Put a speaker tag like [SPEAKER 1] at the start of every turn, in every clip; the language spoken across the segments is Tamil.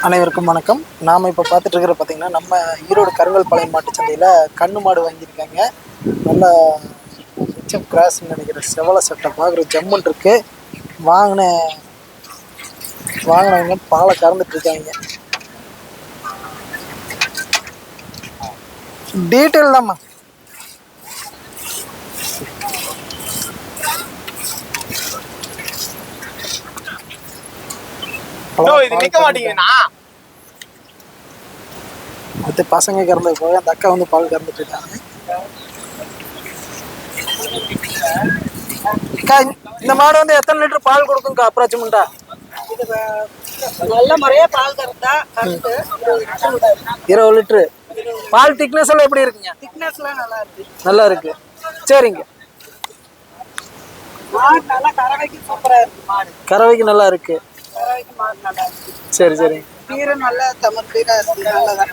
[SPEAKER 1] அனைவருக்கும் வணக்கம். நாம் இப்போ பார்த்துட்டு இருக்கிற பார்த்தீங்கன்னா நம்ம ஈரோடு கருங்கல் பாளையம் மாட்டு சந்தையில் கண்ணு மாடு வாங்கியிருக்காங்க. நல்ல ஹெச்எஃப் கிராஸ்ன்னு நினைக்கிற செவலை சட்டை பார்க்குற ஜம்முன் இருக்கு. வாங்கினவங்க பாலை கறந்துட்டு இருக்காங்க. டீட்டெயில் தான்மா.
[SPEAKER 2] இது நிக்க மாட்டீங்கன்னா
[SPEAKER 1] அடுத்து பசங்க கறந்தது போக அந்த அக்கா வந்து பால் கறந்துட்டு இருக்காங்க. அக்கா, இந்த மாடு வந்து எத்தனை லிட்டர் பால் கொடுக்கும்க்கா அப்ராக்சிமெண்டா?
[SPEAKER 3] நல்ல முறையா பால் கறந்தா
[SPEAKER 1] 20 லிட்டரு. பால் திக்னஸ் எல்லாம் எப்படி இருக்குங்க?
[SPEAKER 3] திக்னஸ்லாம் நல்லா இருக்கு.
[SPEAKER 1] நல்லா இருக்கு. சரிங்க.
[SPEAKER 3] மாடு நல்லா கறவைக்கு சூப்பரா இருக்கு. மாடு
[SPEAKER 1] கறவைக்கு நல்லா இருக்கு.
[SPEAKER 3] கறவைக்கு மாடு நல்லா இருக்கு.
[SPEAKER 1] சரி சரி.
[SPEAKER 3] பீரும் நல்லா தமிழ் பீரா இருக்கு. நல்லதான்.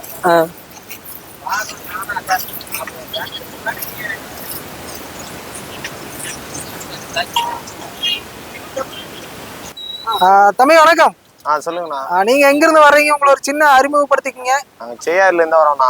[SPEAKER 1] தம்பி வணக்கம்.
[SPEAKER 2] சொல்லுங்கண்ணா.
[SPEAKER 1] நீங்க எங்க இருந்து வர்றீங்க? உங்களை ஒரு சின்ன அறிமுகப்படுத்திக்கங்க.
[SPEAKER 2] நாங்க செய்யாறுல இருந்து வரோம்ண்ணா.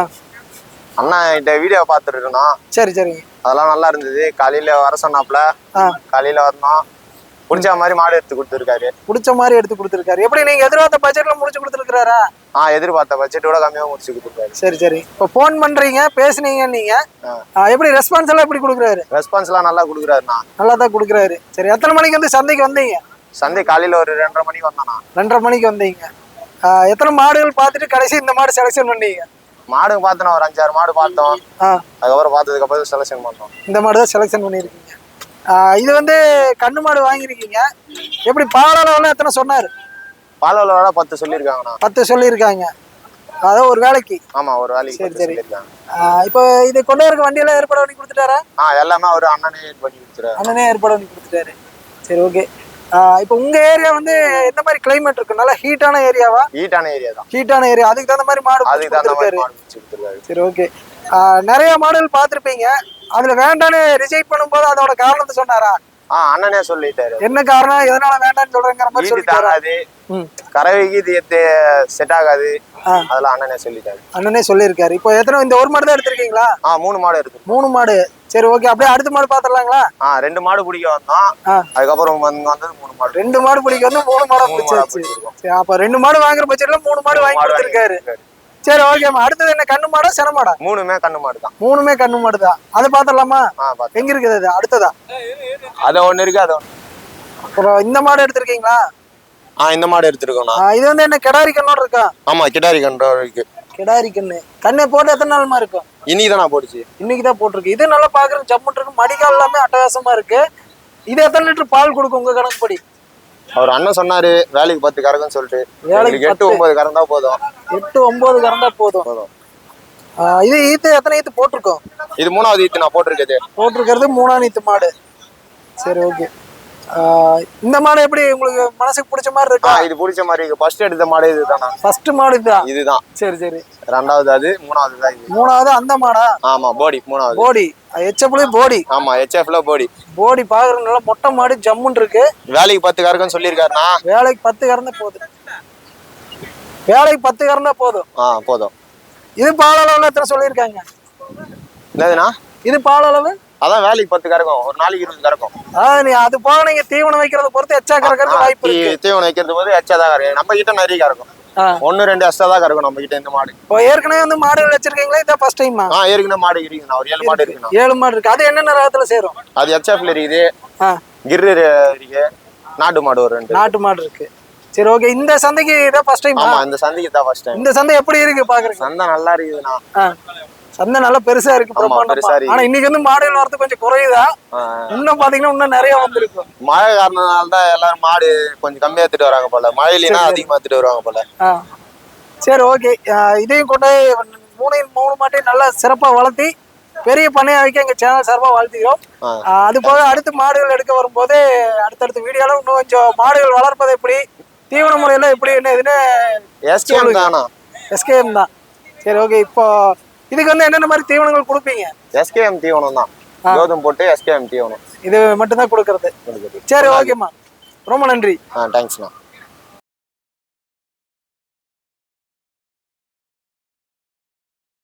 [SPEAKER 2] அண்ணா கிட்ட வீடியோ பார்த்துட்டு இருந்தோம்.
[SPEAKER 1] சரி சரிங்க.
[SPEAKER 2] அதெல்லாம் நல்லா இருந்தது. காலையில வர சொன்னாப்ல. காலையில வரணும். பிடிச்ச மாதிரி மாடு எடுத்து கொடுத்துருக்காரு.
[SPEAKER 1] பிடிச்ச மாதிரி எடுத்து கொடுத்துருக்காரு. எப்படி நீங்க எதிர்பார்த்த பட்ஜெட்ல முடிச்சு கொடுத்துருக்காரா?
[SPEAKER 2] எதிர்பார்த்த பட்ஜெட்டோட கம்மியாக முடிச்சு கொடுத்துருக்காரு.
[SPEAKER 1] சரி சரி. இப்போ ஃபோன் பண்றீங்க, பேசுனீங்க நீங்க. எப்படி ரெஸ்பான்ஸ் எல்லாம் எப்படி கொடுக்குறாரு?
[SPEAKER 2] ரெஸ்பான்ஸ் எல்லாம் நல்லா கொடுக்குறாருண்ணா.
[SPEAKER 1] நல்லா தான் கொடுக்குறாரு. சரி, எத்தனை மணிக்கு வந்து சந்தைக்கு வந்தீங்க?
[SPEAKER 2] சந்தை காலையில ஒரு 2:30 மணிக்கு வந்தானா.
[SPEAKER 1] 2:30 மணிக்கு வந்தீங்க. எத்தனை மாடுகள் பார்த்துட்டு கடைசி இந்த மாடு செலக்ஷன் பண்ணீங்க?
[SPEAKER 2] மாடு பார்த்தோம், ஒரு 5-6 மாடு பார்த்தோம். அதுக்கப்புறம் பார்த்ததுக்கு அப்புறம் செலக்ஷன் பண்ணோம்.
[SPEAKER 1] இந்த மாடு தான் செலக்ஷன் பண்ணியிருக்கீங்க. இது வந்து கண்ணு மாடு வாங்கியிருக்கீங்க. எப்படி பால் அளவுலாம் எத்தனை சொன்னாரு?
[SPEAKER 2] பால் அளவு 10 சொல்லியிருக்காங்கண்ணா.
[SPEAKER 1] 10 சொல்லியிருக்காங்க. அதாவது ஒரு வேலைக்கு.
[SPEAKER 2] ஆமா, ஒரு வேலைக்கு.
[SPEAKER 1] சரி சரி. இப்போ இது கொண்டு வரக்கு வண்டியெல்லாம் ஏற்பாடு பண்ணி கொடுத்துட்டாரா?
[SPEAKER 2] எல்லாமே ஒரு அண்ணனே பண்ணி கொடுத்துட்டாரு.
[SPEAKER 1] அண்ணனே ஏற்பாடு பண்ணி கொடுத்துட்டாரு. சரி, ஓகே. இப்போ உங்க ஏரியா வந்து எந்த மாதிரி கிளைமேட் இருக்கு? நல்லா ஹீட்டான ஏரியாவா?
[SPEAKER 2] ஹீட்டான ஏரியா தான்.
[SPEAKER 1] ஹீட்டான ஏரியா. அதுக்கு தகுந்த மாதிரி மாடு கொடுத்துருக்காரு. சரி, ஓகே. நிறைய மாடுகள் பார்த்துருப்பீங்க. அதுல வேண்டான்னு ரிஜெக்ட் பண்ணும்போது அதோட காரணத்தை சொன்னாரா?
[SPEAKER 2] அண்ணனே சொல்லிட்டாரு.
[SPEAKER 1] என்ன காரணம், எதனால வேண்டாம்னு சொல்றேங்கிற மாதிரி சொல்லிட்டாரு.
[SPEAKER 2] கறவைக்கு இது செட் ஆகாது, அதெல்லாம் அண்ணனே சொல்லிட்டாரு.
[SPEAKER 1] அண்ணனே சொல்லியிருக்காரு. இப்போ எத்தனை, இந்த ஒரு மாடு தான் எடுத்திருக்கீங்களா?
[SPEAKER 2] 3 மாடு இருக்கு. 3
[SPEAKER 1] மாடு. சரி, ஓகே. அப்படியே அடுத்த மாடு பாத்துடலாங்களா?
[SPEAKER 2] 2 மாடு பிடிக்க வந்தோம். அதுக்கப்புறம் வந்தது 3 மாடு.
[SPEAKER 1] 2 மாடு பிடிக்க வந்து 3 மாடா பிடிச்சாச்சு. சரி, அப்ப 2 மாடு வாங்குற பட்சத்துல 3 மாடு வாங்கி கொடுத்திருக்காரு. சரி, ஓகேம்மா. அடுத்தது என்ன, கண்ணு மாடா சென மாடா?
[SPEAKER 2] 3மே கண்ணு மாடு தான்.
[SPEAKER 1] 3மே கண்ணு மாடு தான். அதை பாத்துடலாமா? எங்க இருக்குது அது? அடுத்ததா
[SPEAKER 2] அது ஒண்ணு இருக்கு. அது
[SPEAKER 1] அப்புறம் இந்த மாடு எடுத்திருக்கீங்களா?
[SPEAKER 2] இந்த மாடு எடுத்துருக்கோம்.
[SPEAKER 1] இது வந்து என்ன கிடாரி கண்ணோட இருக்கா?
[SPEAKER 2] ஆமா, கிடாரி கண்ணோட இருக்கு.
[SPEAKER 1] கிடாரி கண்ணு. கண்ணை போட்டு எத்தனை நாளுமா இருக்கும்?
[SPEAKER 2] இன்னைக்குதான் போட்டுச்சு.
[SPEAKER 1] இன்னைக்குதான் போட்டிருக்கு. இது நல்லா பாக்குறது ஜம்முன் இருக்கு. மடிக்கால் எல்லாமே அட்டகாசமா இருக்கு. இது எத்தனை லிட்டர் பால் கொடுக்கும் உங்க கணக்குப்படி?
[SPEAKER 2] அவர் அண்ணன் சொன்னாரு வேலைக்கு 10 கறக்குன்னு சொல்லிட்டு. 8-9 கறந்தா போதும்.
[SPEAKER 1] 8-9 கறந்தா போதும். இது ஈத்து எத்தனை ஈத்து போட்டிருக்கோம்?
[SPEAKER 2] இது 3வது ஈத்து நான் போட்டிருக்கிறது
[SPEAKER 1] 3ஆம் ஈத்து மாடு. சரி, ஓகே. இந்த மாடு எப்படி உங்களுக்கு மனசுக்கு பிடிச்ச மாதிரி இருக்கா?
[SPEAKER 2] இது பிடிச்ச மாதிரி இருக்கு. ஃபர்ஸ்ட் எடுத்த மாடு இதுதானா?
[SPEAKER 1] ஃபர்ஸ்ட் மாடு
[SPEAKER 2] இதுதான்.
[SPEAKER 1] சரி சரி.
[SPEAKER 2] 2வது அது, 3வது தான் இது.
[SPEAKER 1] 3வது அந்த மாடா?
[SPEAKER 2] ஆமா, போடி 3வது.
[SPEAKER 1] போடி ஹெச்எஃப்ல போடி.
[SPEAKER 2] ஆமா, ஹெச்எஃப்ல போடி.
[SPEAKER 1] போடி பாக்குறது நல்லா மொட்டை மாடு ஜம்முன் இருக்கு.
[SPEAKER 2] வேலைக்கு 10 கறக்குன்னு சொல்லியிருக்காருண்ணா.
[SPEAKER 1] வேலைக்கு 10 கறந்தா போதும். வேலைக்கு 10 கறந்தா போதும்.
[SPEAKER 2] போதும்.
[SPEAKER 1] இது பால் அளவுல எத்தனை சொல்லியிருக்காங்க?
[SPEAKER 2] என்னதுண்ணா?
[SPEAKER 1] இது பால் அளவு
[SPEAKER 2] அதான் வேலைக்கு 10 கறக்கும். ஒரு நாளைக்கு 20 கறக்கும்.
[SPEAKER 1] நீ அது போக நீங்க தீவனம் வைக்கிறத பொறுத்து எச்சா கறக்கிறது வாய்ப்பு இருக்கு.
[SPEAKER 2] தீவனம் வைக்கிறது போது எச்சா தான் கறக்கும். நம்ம கிட்ட நிறைய கறக்கும். 1-2 எக்ஸ்ட்ரா தான் கறக்கும் நம்ம கிட்ட இந்த மாடு.
[SPEAKER 1] இப்போ ஏற்கனவே வந்து மாடுகள் வச்சிருக்கீங்களா? இதான் ஃபர்ஸ்ட் டைமா?
[SPEAKER 2] ஏற்கனவே மாடு இருக்குண்ணா. ஒரு 7 மாடு இருக்குண்ணா.
[SPEAKER 1] 7 மாடு இருக்கு. அது என்னென்ன ரகத்துல சேரும்?
[SPEAKER 2] அது ஹெச்எஃப்ல இருக்குது. கிர்ரு இருக்கு. நாட்டு மாடு ஒரு 2
[SPEAKER 1] நாட்டு மாடு இருக்கு. சரி, ஓகே. இந்த சந்தைக்கு இதான் ஃபர்ஸ்ட் டைம்?
[SPEAKER 2] ஆமா, இந்த சந்தைக்கு தான் ஃபர்ஸ்ட் டைம்.
[SPEAKER 1] இந்த சந்தை எப்படி இருக்கு பாக்குறீங்க?
[SPEAKER 2] சந்தை நல்லா இருக்குதுண்ணா.
[SPEAKER 1] சந்தை நல்லா பெருசா இருக்கு. ஆனா இன்னைக்கு வந்து மாடுகள் வரது கொஞ்சம் குறையுதா? இன்னும் பாத்தீங்கன்னா இன்னும் நிறைய வந்திருக்கும்.
[SPEAKER 2] மழை காரணனால தான் எல்லாரும் மாடு கொஞ்சம் கம்மியா எடுத்துட்டு வராங்க போல. மழையிலாம் அதிகமா எடுத்துட்டு வருவாங்க போல.
[SPEAKER 1] சரி, ஓகே. இதையும் கொண்டு 3 மாட்டையும் நல்லா சிறப்பா வளர்த்தி பெரிய பண்ணையா வைக்க எங்க சேனல் சார்பா வாழ்த்துக்கிறோம். அது போக அடுத்து மாடுகள் எடுக்க வரும்போது அடுத்தடுத்த வீடியோல இன்னும் கொஞ்சம் மாடுகள் வளர்ப்பது எப்படி, தீவன முறையெல்லாம் எப்படி என்ன இதுன்னு எஸ்கேஎம் தான். சரி, ஓகே. இப்போ இதுக்கு வந்து என்னென்ன மாதிரி தீவனங்கள் கொடுப்பீங்க?
[SPEAKER 2] எஸ்கேஎம் தீவனம் தான். கோதுமை போட்டு எஸ்கேஎம் தீவனம்
[SPEAKER 1] இது மட்டும் தான் கொடுக்கறது. சரி, ஓகேம்மா. ரொம்ப நன்றி.
[SPEAKER 2] தேங்க்ஸ்ண்ணா.